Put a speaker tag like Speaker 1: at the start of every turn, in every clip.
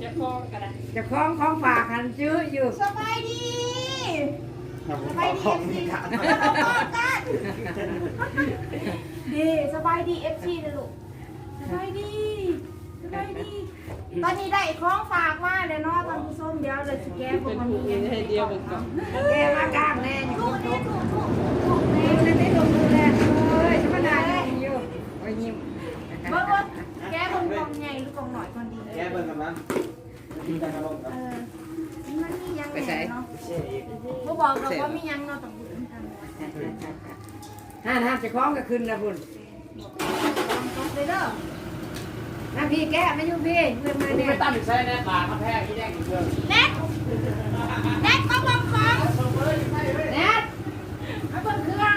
Speaker 1: จะคล้องกันนะ
Speaker 2: จะคล้องของฝากหันซื้ออยู่
Speaker 3: สบายดีสบายดี FC ดีสบายดี FC นะลูกสบายดีสบายดีตอนนี้ได้ของฝากมาแล้วเนาะท่านผู้ชมเดี๋ยวเลยสิแกพวกมันมีให้เดียวกันก่อน
Speaker 2: แกมากลางแน่อยู่
Speaker 3: ถูกนี่ถูก
Speaker 2: แม่ได้ลงดูแลเอ้ยธรรมดาอยู่โอ้ยยิ้ม
Speaker 3: เบิ่งแกเบิ่งกล่องใหญ่หรือกล่องหน่อยก่อนดี
Speaker 4: แกเบิ่งกันนั้นกินกันกันลงครับ
Speaker 3: มันมียังไงเนาะบ่บอกหรอกว่ามียังเนาะต้องพูดกัน
Speaker 2: ห้าจะคล้องก็ขึ้นแล้วคุณ
Speaker 3: เลยเด้อ
Speaker 2: น้ำพี่แก้ไม่ยุ่งพี่เรื่องมา
Speaker 4: คุณ
Speaker 2: เนี่ย
Speaker 4: ไปตั้งใส่แน่ปากมาแพ้ที่แดงอีกเรื่อง
Speaker 3: แน็กมาบอกของ
Speaker 2: แน่มาเปิดเครื่อง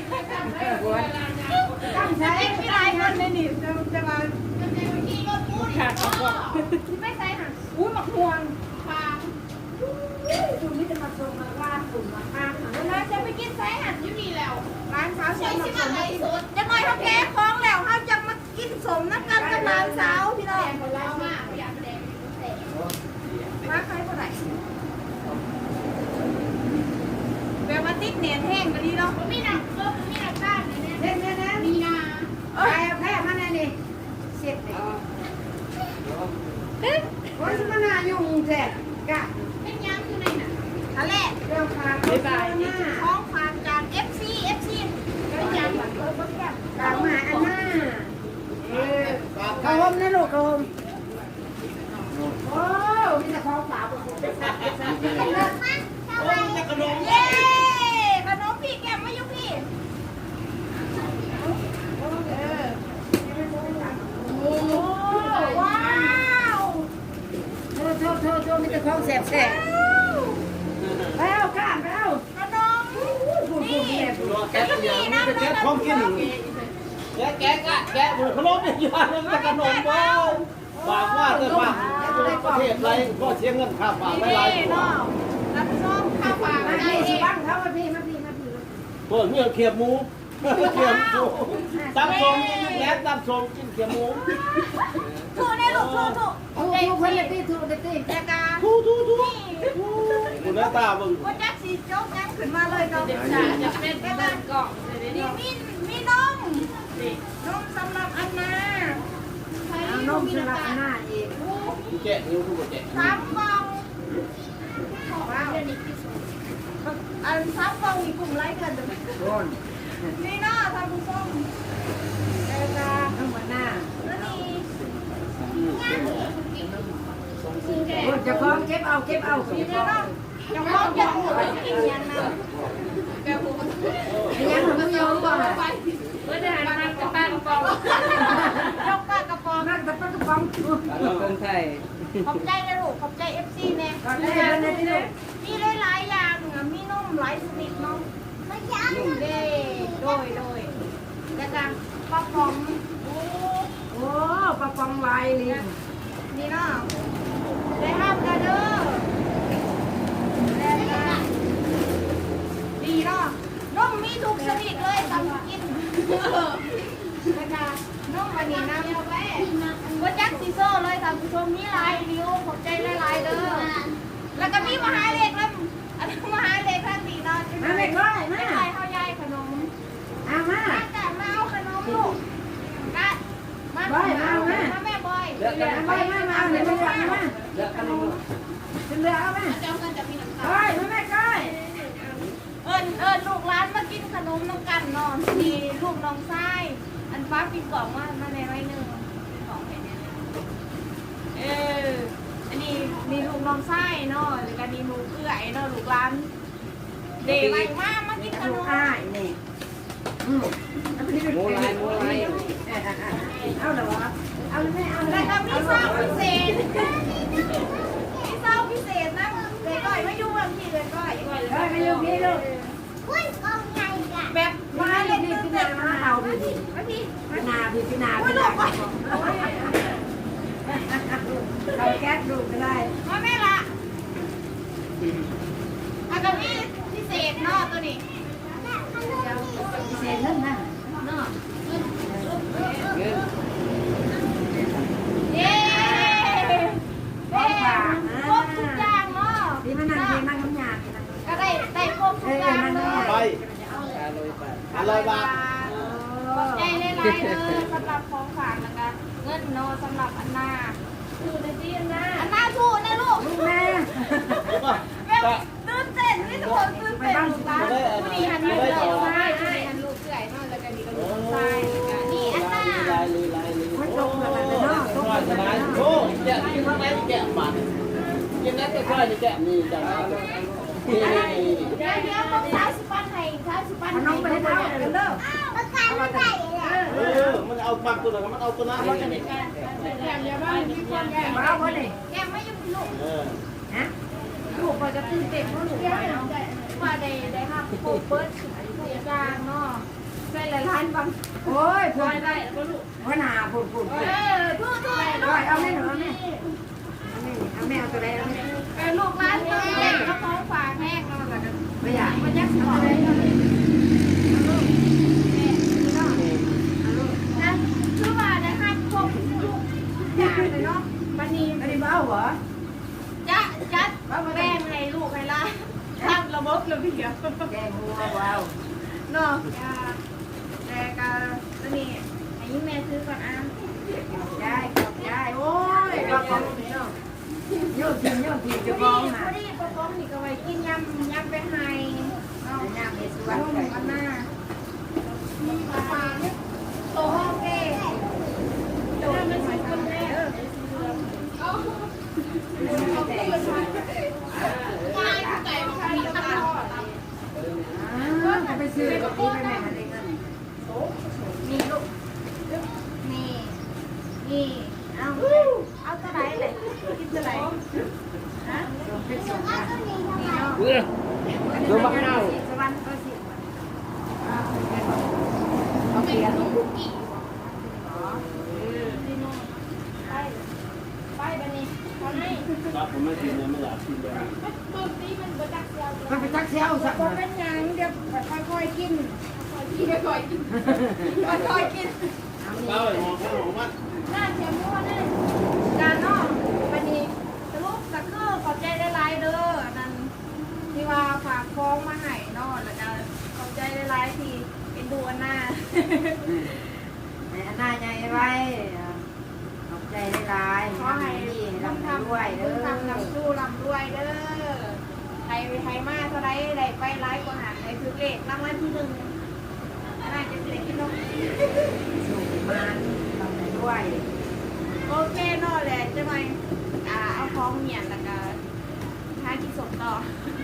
Speaker 2: ตั้งใจ
Speaker 3: เอ็กซ์มีหลายคนในนี่จะมาขี่รถพูดไม่ใช่ค่ะอุ้ยหมักม่วงฟาง
Speaker 2: คุณนี่จะมาชมมาว่าคุณมาข้าง
Speaker 3: เราจะไปกินไซหันอยู่นี่แล้วร้านสาวเชียงใหม่จะหน่อยเขาแก้คล้องแล้วเขาจะมากินสมนักกันกับร้านสาวพี่น้องมาใครคนไหนแบบว่าติดเนียนแห้งก็ดีเนาะมีหนักก็มีหนักบ้านเนี่ย
Speaker 2: เล่นเล่นนะ
Speaker 3: มีนา
Speaker 2: แพ้มาแน่นี่เสร็จเลยโอ้ยมันน่ายุ่งแท้กะ
Speaker 3: เป็นยังอยู่ในน่ะทะเล
Speaker 2: เรื่องฝากบ๊ายบายนะ
Speaker 3: ท้องฝากจาก FC เป็นยังก
Speaker 2: ฝากมาอันน่ากระหมนะลูกกระหมโอ้มีแต่ของฝาก
Speaker 3: เย้ขนมพี่แกมมาอยู่พี่โอ้ว้าว
Speaker 2: โทษมีแต่ของแสบแสบไปเอาก้านไปเอา
Speaker 3: ขนมนี่
Speaker 4: แกะอย่างนี้จะแกะของกินแกะขนมอีกอย่างนึงจะขนมบ้าฝากว่าเถอะฝากประเทศไรก็เสียเงินค่าฝากไม่ไร
Speaker 3: นี่เนาะรับส้มข้าวฝาก
Speaker 2: มา
Speaker 3: มา
Speaker 2: พี่
Speaker 3: เอ
Speaker 2: สิ
Speaker 3: ง
Speaker 2: บ้างเขามาพี่
Speaker 4: เปิดเงี้ยเขียบหมูเขียบหมูตั้งทรงแล้ตั้งทรงกินเขียบหมู
Speaker 3: ถูกเนี่ยลูกถูก
Speaker 2: ถูกคนละพี่ถูกเลยพี่
Speaker 3: แต่กา
Speaker 4: ทูคุณหน้าตามึง
Speaker 3: ว่าจักสีโจ๊กยังขึ้นมาเลยเนาะ
Speaker 1: จะเป็นเบิร์กล่องเลย
Speaker 3: นี่
Speaker 1: เนี่ย
Speaker 3: มีนมสำหรับอันนา
Speaker 2: เอานมสลับหน้าอีก
Speaker 4: แกะนิ้วทุกคนแกะ
Speaker 3: 3 กล่องว้าวอัน3 กล่องมีกลุ่มไลค์กัน
Speaker 2: โดน
Speaker 3: นี่เนาะท่านผู้ชม
Speaker 2: แต่ตาข้างบนหน้า
Speaker 3: แล้วนี่
Speaker 2: โอ้จะคล้องเก็บเอา
Speaker 3: นี่เนาะจะพร้อมจะพูดกินยันนะ
Speaker 2: ยังของมึงยอมก่อน
Speaker 1: เพื่อจะหาทางกระป้ากระป๋อง
Speaker 3: ยกปากกระป๋อง
Speaker 2: นั่งตะปักกระป๋องกงไทย
Speaker 3: ขอบใจนะลูกขอบใจ FC แน่
Speaker 2: ตอนนี้มันนี่ลูก
Speaker 3: มีหลายๆอย่างมีนมหลายชนิดเนาะไม่ยั้งเด้โดยแล้วก็ปลาป๋อง
Speaker 2: โอ้ปลาปองลายลิง
Speaker 3: นี่เนาะได้ห้ามกันเด้อแล้วก็ดีเนาะนมมีทุกชนิดเลยทำกินแล้วก็นมวันนี้นะว่าจักซีโซ่เลยทำผู้ชมมีหลายนิ้วขอบใจหลายๆเด้อแล้วก็มีมหาเล็กแล้วอันนี้มหาเล็กท่านดีเนาะ
Speaker 2: มาไม่ก้อยมา
Speaker 3: ไม่ใช่ข้าวยายขนม
Speaker 2: เอามา
Speaker 3: แต่มาเอาขนมลูกกัดมาแม่บอย
Speaker 2: เอาไปมาเอาเดี๋ยวมาเอามา
Speaker 4: เลือกกันเลย
Speaker 2: เป็นเรือเอามา
Speaker 3: เจ้าเงินจะมีน้ำตา
Speaker 2: ก้อยมาแม่ก้อย
Speaker 3: เอิญลูกร้านมากินขนมน้ำกันเนาะมีลูกน้องไส้อันฟ้ากินกล่องมาในไว้หนึ่งของเห็นเนี่ยอันนี้มีลูกน้องไส้เนาะแล้วก็มีลูกเอื้อยเนาะลูกร้านเดย์ไว้มากินขน
Speaker 2: ลูก
Speaker 3: ม
Speaker 2: อ้ายนี่
Speaker 4: หมูลาย
Speaker 2: เอาเหรอวะเอาเลยแม่เอาเล
Speaker 3: แล้
Speaker 2: ยว
Speaker 3: ก็มีซาวพิเศษมีซาวพิเศษนะเลยก้อยไม่ยุ่งบางทีเลยก้อย
Speaker 2: เฮ้ยมาอยู่พี่ลูก
Speaker 3: แบบ
Speaker 2: มา
Speaker 3: มา
Speaker 2: เล่
Speaker 3: เล่
Speaker 2: น
Speaker 3: น
Speaker 2: นี่
Speaker 3: นี่
Speaker 2: พี่
Speaker 3: คือ
Speaker 2: นา
Speaker 3: แบบ
Speaker 2: มาเอาพี่
Speaker 3: มาพี่
Speaker 2: พี่นาพี่นา
Speaker 3: โอ้ย
Speaker 2: พี่
Speaker 3: ลู
Speaker 2: นาก
Speaker 3: ไป
Speaker 2: เอาแก๊สดูก็ได้
Speaker 3: มาแม่ละอากามีพิเศษเนาะตัวนี้
Speaker 2: เศษนั่นนะ
Speaker 3: เนาะเย้
Speaker 2: ของฝ
Speaker 4: 400 บาท
Speaker 3: ขอบใจหลายๆเลยสำหรับของฝากนะคะเงินโนสำหรับอันนา
Speaker 1: ดูในที่หน้า
Speaker 3: อันนาสู้นะลูก
Speaker 2: แม่
Speaker 3: แม่ตื่นเต้นนี่ทุกคนตื่นเต้นลูกหลานผู้นี้หันลูกเลยให้หันลูกเกลื่อยนอนแล้วก็นี่ก็ลูกชายนี่อันนา
Speaker 2: ไม่ตรงกันเลยเนาะตรงกันเลย
Speaker 4: โอ้แกะที่ข้างในแกะบาทกินนั้นก็ค่อยนี่แกะนี่จังนี่
Speaker 3: เดี๋ยวต้อง30 ปันให้30 ปัน
Speaker 2: น้องไปให้ได้กันเด้อ
Speaker 3: ประกันไม่ได้เลย
Speaker 4: มันเอาปักตัวนั้นมันเอาตัวนั้น
Speaker 3: แก้มเดี๋ยวบ้านมีคนแก้ม
Speaker 2: มาเอาคนนี้
Speaker 3: แก้มไม่ยุ่งลูก
Speaker 2: ฮะ
Speaker 3: ลูกก็จะตื่นเต้นเพราะลูกไปเนาะว่าได้ครับโคเปิดทุกอย่างเนาะใส่หลายล้านบาง
Speaker 2: โอ้ย
Speaker 1: ปล่อยได้แล้วก็ลูก
Speaker 2: หัวหน้าปุ่น
Speaker 3: ทุก
Speaker 2: ร้อยเอาแม่หนูเอาแม่เอาแม่เอาตัวไหนเอาแม่
Speaker 3: ลูกร้านตัวเล็กก็ของฝากแม่เนาะแล้วก็
Speaker 2: ไม่อยาก
Speaker 3: มันยักษ์สอนเลยนะคือว่าได้ครับครบทุกอย่างเลยเนาะวันนี้
Speaker 2: ไม่ได้เบ้าเหรอ
Speaker 3: จัดแบ่งให้ลูกให้หลานทำระบบระเบียบ
Speaker 2: แกงหัวเบ้า
Speaker 3: เนาะแต่ก็ตัวนี้ให้ยิ้มแม่ซื้อก่อนอ่ะ
Speaker 2: ได้ได้โอ้ยก็ของเนาะโยกกินจะ
Speaker 3: พ
Speaker 2: ฟ้
Speaker 3: อ
Speaker 2: อง
Speaker 3: ดี
Speaker 2: มา
Speaker 3: พอดีปอมนี่ก็ไว้กินยำไปให้เนาะ
Speaker 2: น้ำในสว
Speaker 3: วัน น
Speaker 2: ไก่
Speaker 3: วันหน้าโตห้องเก้โตมันเป็นคนแรก
Speaker 2: ไปซื้อกับพี่ไปแม่มาได้เงิน
Speaker 3: นี่ลูกนี่เอาตัวไหนเลยกินตัวไหนฮะ
Speaker 2: เป็นส่งมา
Speaker 3: นี่เนาะ
Speaker 4: ดูบ้างเอา
Speaker 2: สวรรค์ก็สิ
Speaker 3: เอาไปลูกคุกกี้นี่เนาะไปบันนี้เขาให้
Speaker 4: ครับผมไม่กินเลยไม่อยากกินเลย
Speaker 3: ตัวนี้มันบจักเซียว
Speaker 2: มันไปจักเซี่ยวสัก
Speaker 3: ก็เป็นยังเดี๋ยวค่อยๆกินค่อยๆกินค่อยๆกิน
Speaker 4: เป้าไอ้หมอข้าวหมอมัน
Speaker 3: หน้าเชียมัวนี่การนอกวันนี้สรุปก็คือขอบใจได้หลายเด้อนั่นที่ว่าฝากฟ้องมาให้นอกแล้วก็ขอบใจได้หลายที่เป็นดูอันหน้า
Speaker 2: ในอันหน้าใหญ่ไว้ขอบใจได้หลาย
Speaker 3: ขอให้
Speaker 2: ดี
Speaker 3: ทำ
Speaker 2: ทำด้วยเด้อ
Speaker 3: ทำลำสู้ลำด้วยเด้อไทยมาเท่าไรได้ไปหลายกว่าหาได้ถือเลขรางวัลที่1น่าจะเสียกินนม
Speaker 2: ส่งมาทำด้วย
Speaker 3: โอเคเนอะแหละจะหน่อยเอาของเหมียนแล้วก็หาที่ส่งต่อ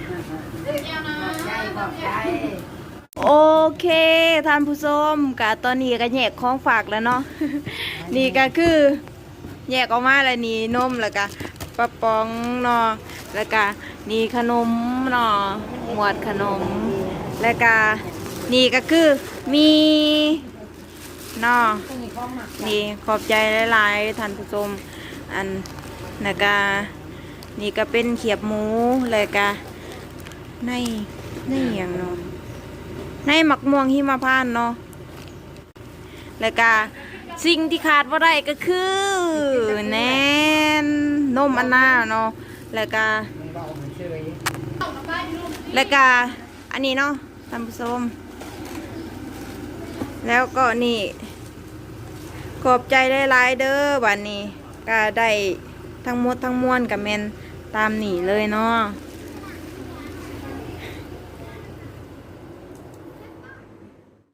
Speaker 2: ขอบใจ
Speaker 3: โอเคท่านผู้ชมกะตอนนี้ก็แยกของฝากแล้วเนาะ นี่ก็คือแยกออกมาแล้วนี่นมแล้วก็ปะปองเนาะแล้วก็นี่ขนมเนาะหมวดขนมแล้วก็นี่ก็คือมีเนาะนี่ขอบใจหลายๆท่านผู้ชมอันแล้วก็นี่ก็เป็นเขียบหมูแล้วก็ในอย่างเนาะในหมักม่วงหิมพานต์เนาะแล้วก็สิ่งที่ขาดบ่ได้ก็คือแน่นนมอันน่าเนาะแล้วก็อันนี้เนาะท่านผู้ชมแล้วก็นี่ขอบใจหลายๆเด้อบัดนี้ก็ได้ทั้งหมดทั้งมวลกับแมนตามนี่เลยเนาะ